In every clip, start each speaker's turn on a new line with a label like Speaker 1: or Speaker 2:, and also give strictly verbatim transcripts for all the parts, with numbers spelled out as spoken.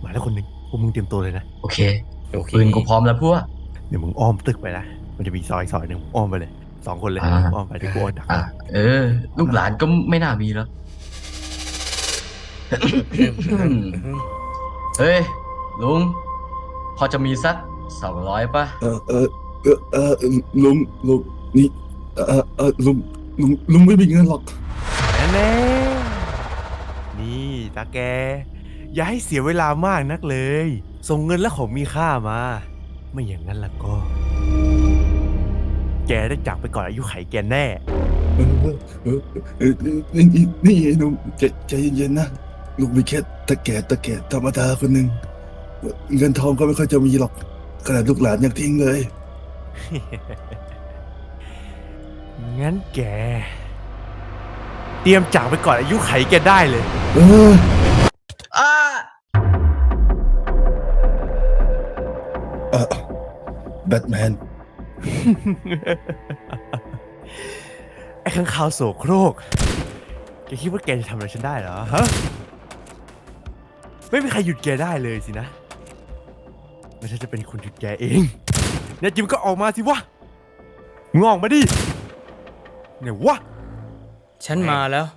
Speaker 1: มาแล้วคนหนึ่งพวกมึงเตรียมตัวเลยนะ
Speaker 2: โอเคโอเคปืนกูพร้อมแล้วพวก
Speaker 1: เดี๋ยวมึงอ้อมตึกไปนะมันจะมีซอยซอยหนึ่งอ้อมไปเลยสองคนเลยอ้อมไปที่กูอ้อมดัก
Speaker 2: เออลูกหลานก็ไม่น่ามีแล้วเฮ้ยลุงพอจะมีสักสองร้อยป่ะ
Speaker 3: เออเออเออเออลุงลุงนี่เออเออลุงลุงลุงไม่มีเงินหรอก
Speaker 1: แน่นี่ตาแกอย่าให้เสียเวลามากนักเลยส่งเงินและของมีค่ามาไม่อย่างนั้นล่ะก็แกได้จากไปก่อนอายุไขแกแน่
Speaker 3: เออเออเออนี่นี่นี่ลุงใจใจเย็นๆนะลุงมีแค่ตะแก่ตะแก่ธรรมดาคนหนึ่งเงินทองก็ไม่ค่อยจะมีหรอกขนาดลูกหลานยังทิ้งเลย
Speaker 1: งั้นแกเตรียมจากไปก่อนอายุไขแกได้เลย
Speaker 3: เออ
Speaker 2: อ่า
Speaker 3: อ่ะแบทแมน
Speaker 1: ไอ้ข้างคาวโสโครกแกคิดว่าแกจะทำอะไรฉันได้เหรอฮะไม่มีใครหยุดแกได้เลยสินะไม่ใช่จะเป็นคนหยุดแกเองเนี่ยจิมก็ออกมาสิวะงอกมาดิเนี่ยวะ
Speaker 4: ฉันมาแล้ว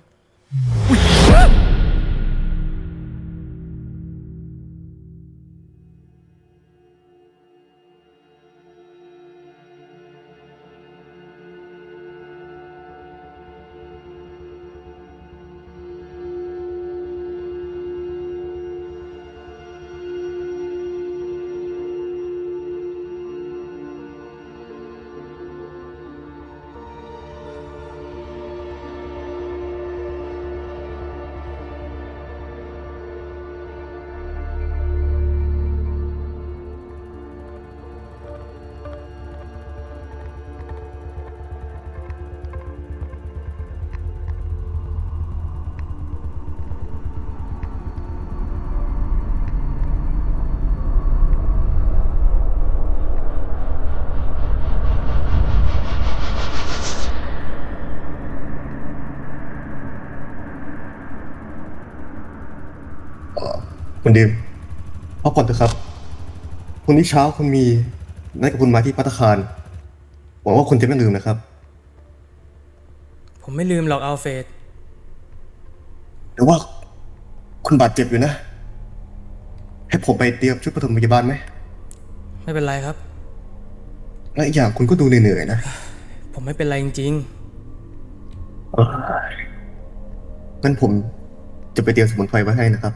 Speaker 5: คุณดิมพักผ่อนเถอะครับพรุ่งนี้เช้าคุณมีนัดกับคุณมาที่ภัตตาคารหวังว่าคุณจะไม่ลืมนะครับ
Speaker 4: ผมไม่ลืมหรอกอัลเฟรด
Speaker 5: แต่ว่าคุณบาดเจ็บอยู่นะให้ผมไปเตรียมชุดปฐมพยาบาลไหม
Speaker 4: ไม่เป็นไรครับ
Speaker 5: และอีกอย่างคุณก็ดูเหนื่อยๆนะ
Speaker 4: ผมไม่เป็นไรจริง
Speaker 5: ๆงั้นผมจะไปเตรียมสมุนไพรไว้ให้นะครับ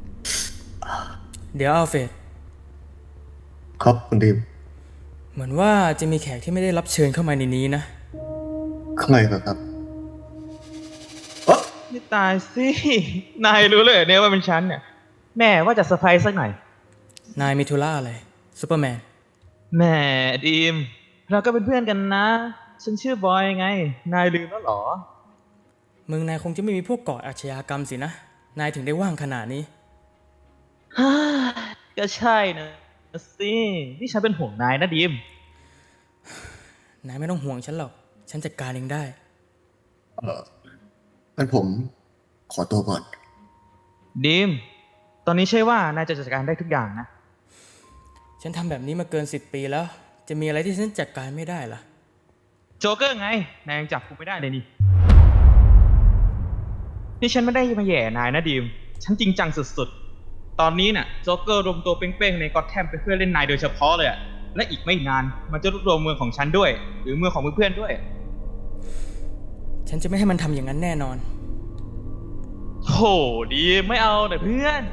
Speaker 4: เดี๋ยวอัลเฟรด
Speaker 5: ครับคุณดิม
Speaker 4: เหมือนว่าจะมีแขกที่ไม่ได้รับเชิญเข้ามาในนี้นะ
Speaker 5: ข้างในเหรอครับ
Speaker 6: เออนี่ตายสินายรู้เลยเนี่ยว่าเป็นฉันเนี่ยแม่ว่าจะเซอร์ไพรส์สักหน่อย
Speaker 4: นายมีธุระอะไรซูเปอร์แมน
Speaker 6: แม่ดีมเราก็เป็นเพื่อนกันนะฉันชื่อบอยไงนายลืมแล้วหรอ
Speaker 4: มึงนายคงจะไม่มีพวกก่ออาชญากรรมสินะนายถึงได้ว่างขนาดนี้
Speaker 6: ฮ่าก็ใช่นะสินี่ฉันเป็นห่วงนายนะดีม
Speaker 4: นายไม่ต้องห่วงฉันหรอกฉันจัดการเองได้
Speaker 5: เอองั้นผมขอตัวก่อน
Speaker 6: ดีมตอนนี้ใช่ว่านายจะจัดการได้ทุกอย่างนะ
Speaker 4: ฉันทำแบบนี้มาเกินสิบปีแล้วจะมีอะไรที่ฉันจัดการไม่ได้ล่ะ
Speaker 6: โจ๊กเกอร์ไงนายยังจับกูไม่ได้เลยนี่นี่ฉันไม่ได้มาแย่นายนะดีมฉันจริงจังสุดๆตอนนี้น่ะโจ๊กเกอร์รวมตัวเป้งๆในก็อตแทมไปเพื่อเล่นนายโดยเฉพาะเลยอะและอีกไม่นานมันจะรวบรวมเมืองของฉันด้วยหรือเมืองของเพื่อนๆด้วย
Speaker 4: ฉันจะไม่ให้มันทำอย่างนั้นแน่นอน
Speaker 6: โหดีไม่เอาแต่เพื่อน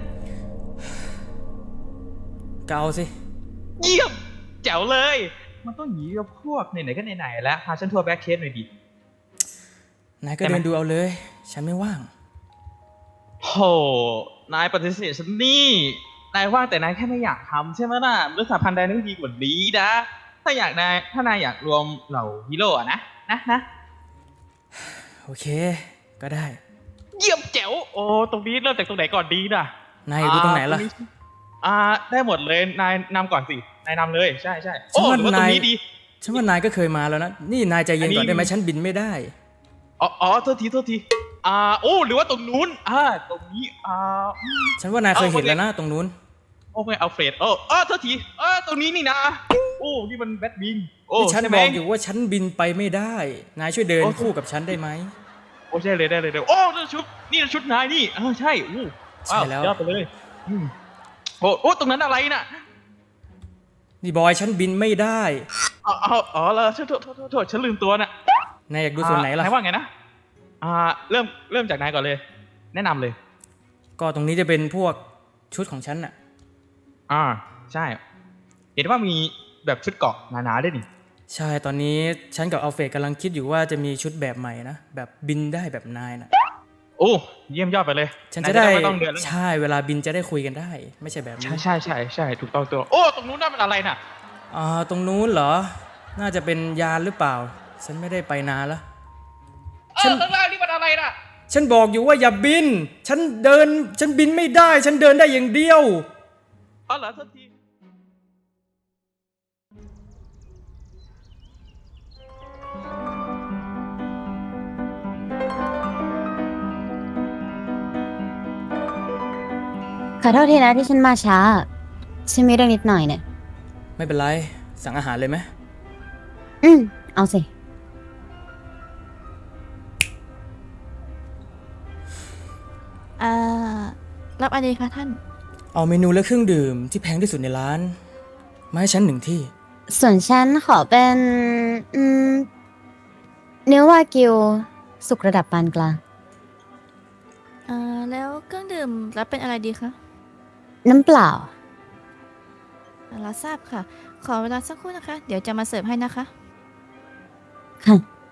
Speaker 4: ก็เอาสิ
Speaker 6: เยี่ยมแจ๋วเลยมันต้องหนีกับพวกไหนๆก็ไหนๆแล้วพาฉันทัวร์แบ็คเคสหน่อยดิ
Speaker 4: นายก็เดินดูเอาเลยฉันไม่ว่าง
Speaker 6: โหนายปฏิเสธฉันนี่นายว่างแต่นายแค่ไม่อยากทำใช่ไหมล่ะเรื่องสาพันธ์ใดนึงดีกว่านี้นะถ้าอยากนายถ้านายอยากรวมเหล่าฮีโร่อะนะนะนะ
Speaker 4: โอเคก็ได้
Speaker 6: เยี่ยมแจ๋วโอ้ตรงนี้เริ่มจากตรงไหนก่อนดีนะ
Speaker 4: นายดูตรงไหนล่ะ
Speaker 6: อ่าได้หมดเลยนายนำก่อนสินายนำเลยใช่ใช่โอ้หรือว่าตรงนี้ดี
Speaker 4: ฉันว่านายก็เคยมาแล้วนะนี่นายใจเย็นก่อนได้ไหมฉันบินไม่ได้
Speaker 6: อ๋ออ๋อโทษทีโทษทีอ่าโอ้หรือว่าตรงนู้นอ่าตรงนี้อ่า
Speaker 4: ฉันว่านายเคยเห็นแล้วนะตรงนู้น
Speaker 6: อ้ไม่อัลเฟรดโอ้เออโทษทีเออตรงนี้นี่นะโอ้นี่มันแบทวิงโอ้
Speaker 4: ที่ฉัน
Speaker 6: ใช่
Speaker 4: บ
Speaker 6: ไหม
Speaker 4: อกอยู่ว่าฉันบินไปไม่ได้ นายช่วยเดิน
Speaker 6: โอ้
Speaker 4: คู่กับฉันได้ไหม
Speaker 6: โอ้ใช่เลยได้เลยได้โอ้นี่ชุดนี่ชุดนายนี่เออใช่อู้
Speaker 4: ใช่แล้ว
Speaker 6: ยอดไปเลยอืมโอ้โอ้ตรงนั้นอะไรน่ะ
Speaker 4: นี่บอยฉันบินไม่ได้
Speaker 6: อ๋ออ๋ออ๋อเหรอโทษโทษโทษโทษโทษฉันลืมตัวน่ะ
Speaker 4: นายอยากดูส่วนไหนล่ะ
Speaker 6: นายว่าไงนะอ่าเริ่มเริ่มจากนายก่อนเลย แนะนำเลย
Speaker 4: ก็ตรงนี้จะเป็นพวกชุดของฉันน่ะ
Speaker 6: อ่าใช่ เห็นว่ามีแบบชุดเกราะหนาๆด้วยนี่
Speaker 4: ใช่ตอนนี้ฉันกับอัลเฟรดกำลังคิดอยู่ว่าจะมีชุดแบบใหม่นะแบบบินได้แบบนายน่ะ
Speaker 6: โอ้เยี่ยมยอดไปเลย
Speaker 4: ฉันจะได้
Speaker 6: ายไม่ต้องเดินแล้วไง
Speaker 4: ใช่เวลาบินจะได้คุยกันได้ ไม่ใช่แบบนี้
Speaker 6: ใช่ใช่ใช่ใช่ถูกต้องตัวโอ้ตรงนู้นนั่นมันอะไรน่ะ
Speaker 4: อ่าตรงนู้นเหรอ น่าจะเป็นยานหรือเปล่า ฉันไม่ได้ไปนานแล้ว
Speaker 6: เออข้างล่างนี่มันอะไรน่ะ
Speaker 4: ฉันบอกอยู่ว่าอย่าบิน ฉันเดิน ฉันบินไม่ได้ ฉันเดินได้อย่างเดียว
Speaker 6: อ๋อเหรอโทษที
Speaker 7: ขอโทษทีนะที่ฉันมาช้า ฉันมีเรื่องนิดหน่อยเนี่ย
Speaker 4: ไม่เป็นไร สั่งอาหารเลยไหม
Speaker 7: อืม เอาสิ
Speaker 8: เอ่อ รับอะไรคะท่าน
Speaker 4: เอาเมนูและเครื่องดื่มที่แพงที่สุดในร้าน มาให้ฉันหนึ่งที่
Speaker 7: ส่วนฉันขอเป็น อืม เนื้อวากิว สุกระดับปานกลาง
Speaker 8: เอ่อ แล้วเครื่องดื่มรับเป็นอะไรดีคะ
Speaker 7: น้ำเปล่า
Speaker 8: รับทราบค่ะ ขอเวลาสักครู่นะคะ เดี๋ยวจะมาเสิร์ฟให้นะคะ
Speaker 7: ค่ะ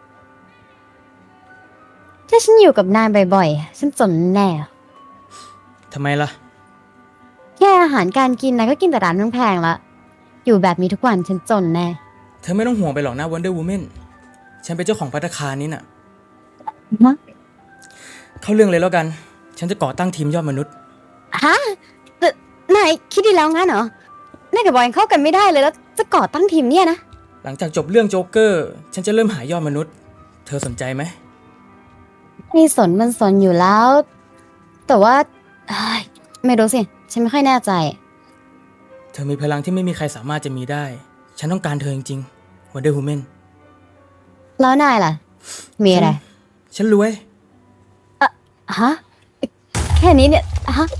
Speaker 7: ถ้าฉันอยู่กับนายบ่อยๆ ฉันจนแน่
Speaker 4: ทำไมล่ะ
Speaker 7: แค่อาหารการกินนายก็กินแต่ร้านแพงๆละ อยู่แบบนี้ทุกวันฉันจนแน่
Speaker 4: เธอไม่ต้องห่วงไปหรอกนะ Wonder Woman ฉันเป็นเจ้าของภัตตาคารนี้น่ะ
Speaker 7: ฮะ
Speaker 4: เข้าเรื่องเลยแล้วกัน ฉันจะก่อตั้งทีมยอดมนุษย์
Speaker 7: ฮะแต่นายคิดดีแล้วงั้นเหรอ นายกับบอยยังเข้ากันไม่ได้เลยแล้วจะก่อตั้งทีมเนี่ยนะ
Speaker 4: หลังจากจบเรื่องโจ๊กเกอร์ ฉันจะเริ่มหายอดมนุษย์ เธอสนใจไหม
Speaker 7: นี่สนมันสนอยู่แล้ว แต่ว่าเอ้ยไม่รู้สิ ฉันไม่ค่อยแน่ใจ
Speaker 4: เธอมีพลังที่ไม่มีใครสามารถจะมีได้ ฉันต้องการเธอจริงๆ Wonder Woman
Speaker 7: แล้วนายล่ะ มีอะไร
Speaker 4: ฉันรวย
Speaker 7: ฮะ แค่นี้เนี่ย ฮะ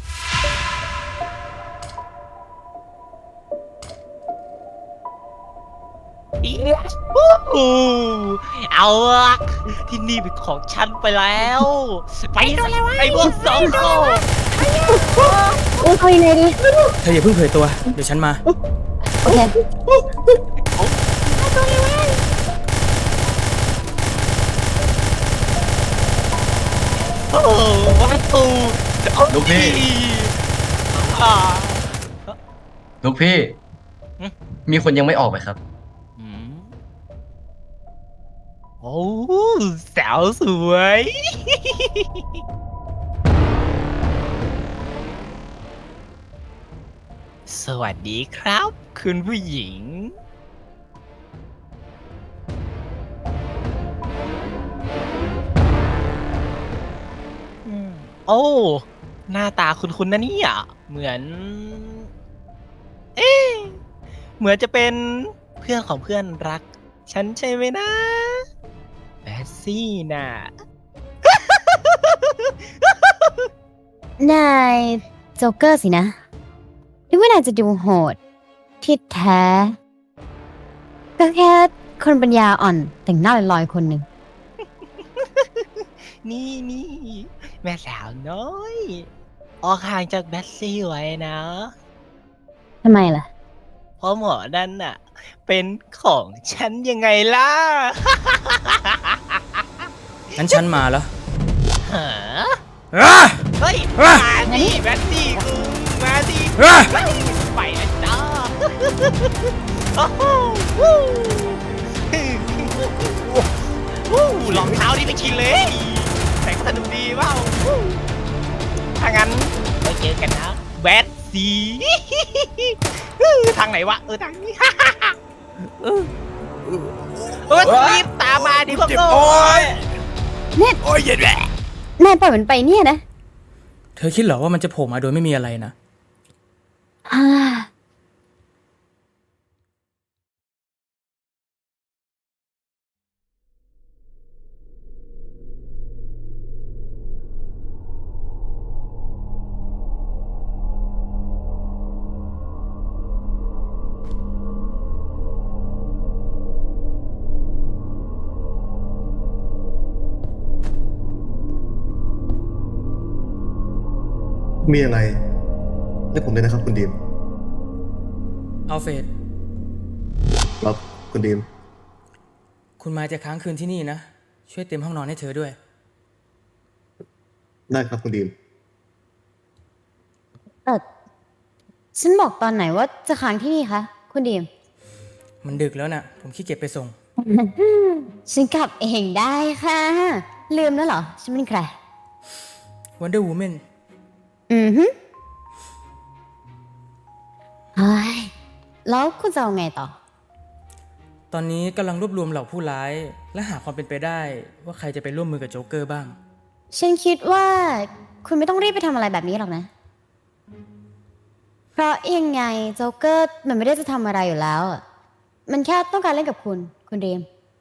Speaker 9: อู้เอาละที่นี่เป็นของฉันไปแล้ว ไปไอ้พวกสองโซ่
Speaker 7: อุ้ยเอายังไงดี
Speaker 4: เธออย่าเพิ่งเผยตัว เดี๋ยวฉันมา
Speaker 7: โอเค
Speaker 9: โอ้ประตู
Speaker 2: ลูกพี่
Speaker 9: อ่า
Speaker 2: ลูกพี่
Speaker 9: หึ
Speaker 2: มีคนยังไม่ออกไหมครับ
Speaker 9: อืมโอ้สาวสวย สวัสดีครับ คุณผู้หญิง อืมโอ้ หน้าตาคุณๆนะเนี่ย เหมือน เอ๊ะเหมือนจะเป็นเพื่อนของเพื่อนรัก ฉันใช่ไหมนะแบสซี่น่ะ
Speaker 7: นายโจ๊กเกอร์สินะนึกว่านายจะดูโหด ที่แท้ ก็แค่คนปัญญาอ่อนแต่งหน้าลอยๆคนหนึ่ง
Speaker 9: นี่นี่แม่สาวน้อย ออกห่างจากแบสซี่ไว้นะ
Speaker 7: ทำไมล่ะ
Speaker 9: เพราะหมอนั่นน่ะ เป็นของฉันยังไงล่ะ
Speaker 4: งั้นฉันมาแล้ว
Speaker 9: หา
Speaker 4: อ่ะ
Speaker 9: เฮ้ย
Speaker 4: อ่ะ
Speaker 9: มาดิแบสซี่กูมาดิ
Speaker 4: อ่ะ
Speaker 9: ไปแล้วจ้าโอ้โหวู้วู้รองเท้านี่ไม่ชินเลย แต่ก็สนุกดีเปล่าวู้ถ้างั้นไว้เจอกันนะแบสซี่ ทางไหนวะ เออทางนี้ เออรีบตามมาดิพวกโง่
Speaker 7: เนี่ย
Speaker 4: โอ้ยเย็นแหละ
Speaker 7: นายปล่อยมันไปเนี่ยนะ
Speaker 4: เธอคิดเหรอว่ามันจะโผล่มาโดยไม่มีอะไรนะ
Speaker 7: ฮ่า
Speaker 5: มีอะไรเรียกผมเลยนะครับคุณดีม
Speaker 4: อัลเฟรด
Speaker 5: ครับคุณดีม
Speaker 4: คุณมายจะค้างคืนที่นี่นะ ช่วยเต็มห้องนอนให้เธอด้วย
Speaker 5: ได้ครับคุณดีม
Speaker 7: เออฉันบอกตอนไหนว่าจะค้างที่นี่คะ คุณดีม
Speaker 4: มันดึกแล้วนะ่ะ ผมขี้เกียจไปส่ง
Speaker 7: ฉันกลับเองได้ค่ะ ลืมแล้วเหรอ ฉันเป็นใคร
Speaker 4: Wonder Woman
Speaker 7: อือฮึเฮ้ยแล้วคุณจะเอาไงต่อ
Speaker 4: ตอนนี้กำลังรวบรวมเหล่าผู้ร้าย และหาความเป็นไปได้ ว่าใครจะไปร่วมมือกับโจ๊กเกอร์บ้าง
Speaker 7: ฉันคิดว่าคุณไม่ต้องรีบไปทำอะไรแบบนี้หรอกนะ เพราะยังไงโจ๊กเกอร์มันไม่ได้จะทำอะไรอยู่แล้วอะมันแค่ต้องการเล่นกับคุณ คุณเดม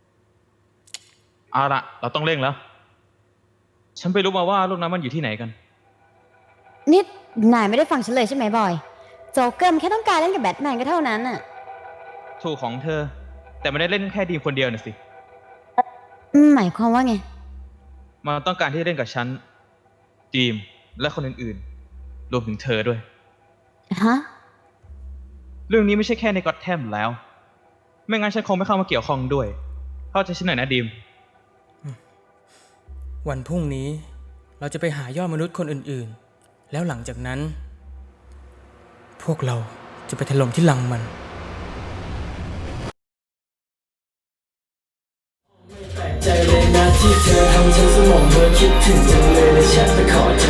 Speaker 6: เอาละเราต้องเร่งแล้ว ฉันไปรู้มาว่าลูกน้ำมันอยู่ที่ไหนกัน
Speaker 7: นี่นายไม่ได้ฟังฉันเลยใช่ไหมบอย โจ๊กเกอร์มันแค่ต้องการเล่นกับแบทแมนก็เท่านั้นน่ะ
Speaker 6: ถูกของเธอ แต่ไม่ได้เล่นแค่ดีมคนเดียวน่ะสิ
Speaker 7: อืมหมายความว่าไง
Speaker 6: มันต้องการที่จะเล่นกับฉันดีมและคนอื่นๆ รวมถึงเธอด้วย
Speaker 7: ฮะ
Speaker 6: เรื่องนี้ไม่ใช่แค่ในก็อตแทมแล้ว ไม่งั้นฉันคงไม่เข้ามาเกี่ยวข้องด้วย เข้าใจฉันหน่อยนะดีม
Speaker 4: วันพรุ่งนี้เราจะไปหายอดมนุษย์คนอื่นๆ แล้วหลังจากนั้น พวกเราจะไปถล่มที่ลังมัน
Speaker 10: ใจเลยนะที่เธอทำฉันสมองเธอคิดถึงจังเลยและแชทไปขอโท